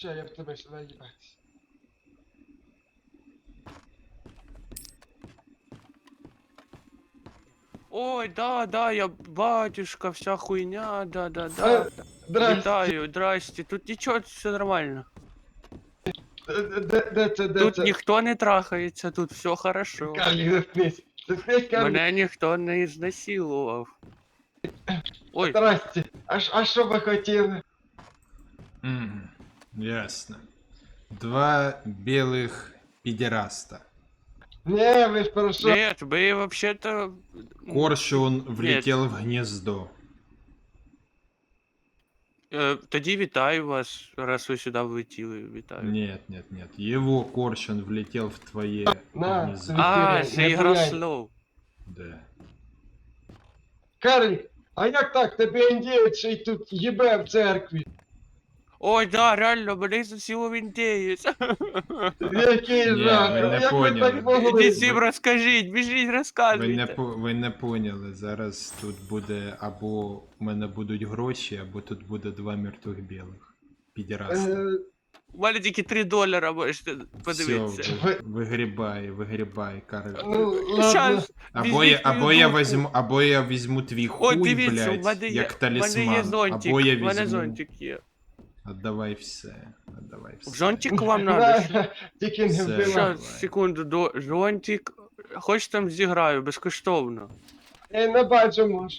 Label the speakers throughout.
Speaker 1: Ща я в тебе сюди їбать.
Speaker 2: Ой, да, я батюшка, вся хуйня, да.
Speaker 1: Здрасте.
Speaker 2: Вітаю, здрасте. Тут нічого, все нормально.
Speaker 1: Де це,
Speaker 2: Тут ніхто не трахається, тут все хорошо.
Speaker 1: Карлік, заткнись. Заткнись, Карлік.
Speaker 2: Мене ніхто не ізнасилував. Ой,
Speaker 1: Здрасте. А що ви хотіли?
Speaker 3: Ясно. Два белых педераста.
Speaker 1: Не, ви ж про що?
Speaker 2: нет, ви вообще-то...
Speaker 3: Коршун влетел в гнездо.
Speaker 2: Тоді вітаю вас, раз ви сюди влетіли, вітаю.
Speaker 3: Нет. Его коршун влетел в твое
Speaker 1: На,
Speaker 3: гнездо.
Speaker 1: собі.
Speaker 2: А,
Speaker 1: Не
Speaker 2: це ігра
Speaker 1: буяй.
Speaker 2: слов.
Speaker 3: Да.
Speaker 1: Карлік, а як так? Тебе індієць ще й тут їбе в церкві.
Speaker 2: Ой, да, реально, мене засіло в індієць.
Speaker 1: Який
Speaker 3: Ні,
Speaker 1: жах.
Speaker 3: ви не
Speaker 1: Як ви
Speaker 3: поняли.
Speaker 1: так могли?
Speaker 2: Ідіть всім розкажіть, біжіть, розказуйте.
Speaker 3: Ви не поняли, зараз тут буде або у мене будуть гроші, або тут буде два мертвих білих. Педераста.
Speaker 2: У мене тільки $3, можете
Speaker 3: Все,
Speaker 2: подивитися.
Speaker 3: вигрібай, Карл.
Speaker 1: Ну, ладно.
Speaker 2: Щас, візьміть мою дудку.
Speaker 3: Або я візьму твій
Speaker 2: Ой,
Speaker 3: хуй,
Speaker 2: дивіться, у
Speaker 3: блядь,
Speaker 2: мене є,
Speaker 3: як
Speaker 2: у мене є
Speaker 3: талісман.
Speaker 2: зонтик,
Speaker 3: Або я
Speaker 2: у мене
Speaker 3: візьму...
Speaker 2: зонтик є.
Speaker 3: Отдавай все, отдавай все.
Speaker 2: Зонтик вам надо?
Speaker 1: На, тільки не
Speaker 3: Все.
Speaker 1: вбивай.
Speaker 2: Щас, секунду, зонтик. Хоч там зіграю, безкоштовно.
Speaker 1: Я не бачу, може.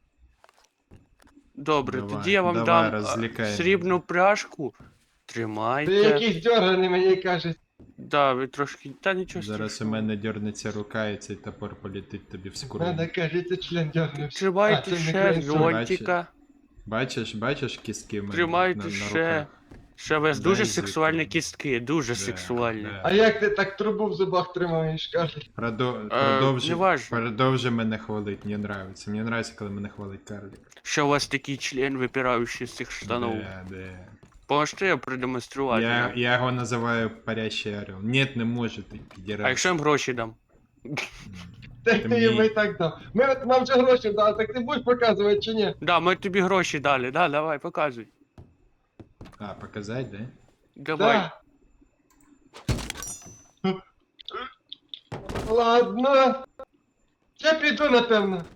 Speaker 2: Добре,
Speaker 3: Давай,
Speaker 2: тоді я вам
Speaker 3: давай,
Speaker 2: дам
Speaker 3: розлікай
Speaker 2: срібну
Speaker 3: мене.
Speaker 2: пляшку.
Speaker 1: Ти
Speaker 2: Тримайте.
Speaker 1: якийсь дьорганий, мені кажуть.
Speaker 2: Да, ви трошки. Та нічого
Speaker 3: Зараз у
Speaker 2: страшного.
Speaker 3: мене дернеться рука і цей топор полетить тобі в скуру.
Speaker 1: Надо, кажете, член дьорнувся.
Speaker 2: Тримайте ще зонтика.
Speaker 3: Бачиш кістки в мене
Speaker 2: Тримайте
Speaker 3: на
Speaker 2: ще.
Speaker 3: руках?
Speaker 2: Ще у вас
Speaker 3: Дай
Speaker 2: дуже
Speaker 3: язик
Speaker 2: сексуальні
Speaker 3: мені.
Speaker 2: кістки, дуже
Speaker 3: Да,
Speaker 2: сексуальні.
Speaker 3: да.
Speaker 1: А як ти так трубу в зубах тримаєш, Карлік?
Speaker 2: неважно.
Speaker 3: Продовжи мене хвалить, мені нравится. Мені нравится, коли мене хвалить Карлік.
Speaker 2: Що у вас такий член, випираючий з цих штанов.
Speaker 3: Да.
Speaker 2: Можете я продемонструвати?
Speaker 3: Я його називаю парящий орел. Нет, не може, ти підірав.
Speaker 2: А якщо я їм гроші дам?
Speaker 1: Так
Speaker 3: Ти
Speaker 1: ти йому
Speaker 3: мені-
Speaker 1: і так дав. Нам вже гроші дали, так ти будеш показувати чи ні?
Speaker 2: Да, ми тобі гроші дали, да, давай, показуй.
Speaker 3: А, показать, да?
Speaker 2: Давай.
Speaker 1: Да. Ладно. Я піду, напевно.